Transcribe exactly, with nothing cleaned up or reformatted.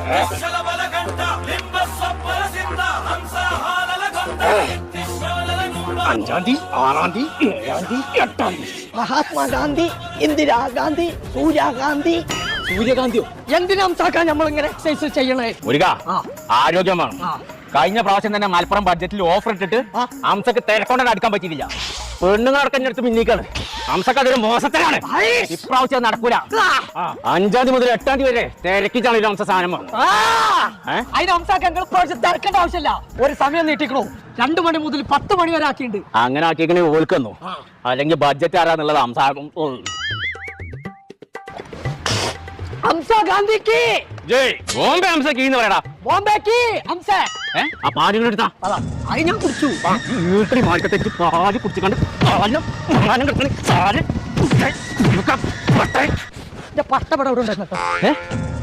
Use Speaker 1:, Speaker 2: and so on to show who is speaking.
Speaker 1: അഞ്ചാം തീയതി ആറാം തീയതി ഏഴാം തീയതി എട്ടാം തീയതി
Speaker 2: മഹാത്മാഗാന്ധി ഇന്ദിരാഗാന്ധി സൂര്യാഗാന്ധി
Speaker 1: സൂര്യകാന്തിയോ
Speaker 2: എന്തിനാ ഹംസാക്കാൻ നമ്മളിങ്ങനെ എക്സസൈസ് ചെയ്യണേ?
Speaker 1: ഒരു ആരോഗ്യം വേണം. കഴിഞ്ഞ പ്രാവശ്യം തന്നെ മലപ്പുറം ബഡ്ജറ്റിൽ ഓഫർ ഇട്ടിട്ട് ഹംസക്ക് തിരക്കൊണ്ടത് അടുക്കാൻ പറ്റിയില്ല. പെണ്ണുങ്ങളടക്കം അടുത്ത് പിന്നീക്കാണ്. ഹംസക്ക് അതൊരു മോശത്തിലാണ്. ഇപ്രാവശ്യം നടക്കൂല. അഞ്ചാം തീയതി മുതൽ എട്ടാം തീയതി വരെ തിരക്കിച്ചാണ് ഹംസ സാധനം വേണം.
Speaker 2: അതിന് ഹംസാക്കാൻ ഇപ്രാവശ്യം തിരക്കേണ്ട ആവശ്യമില്ല. ഒരു സമയം നീട്ടിക്കണോ? രണ്ടു മണി മുതൽ പത്ത് മണി വരെ ആക്കിയിട്ടുണ്ട്.
Speaker 1: അങ്ങനെ ആക്കിയേക്കണേ ഓൽക്കുന്നു. അല്ലെങ്കിൽ ബഡ്ജറ്റ് ആരാന്നുള്ളത് ഹംസ
Speaker 2: ഹംസാ ഗാന്ധിക്ക്
Speaker 1: ജയ് ബോംബെ ഹംസക്ക് എന്ന് പറയടാ.
Speaker 2: ബോംബെക്ക് ഹംസ
Speaker 1: ആ പാലുകൾ എടുത്താ
Speaker 2: അത് ഞാൻ കുടിച്ചു.
Speaker 1: വീട്ടിൽ മാർക്കത്തേക്ക് പാല് കുടിച്ചിട്ടുണ്ട്.
Speaker 2: പട്ടപടം ഇവിടെ ഉണ്ടായിരുന്നു.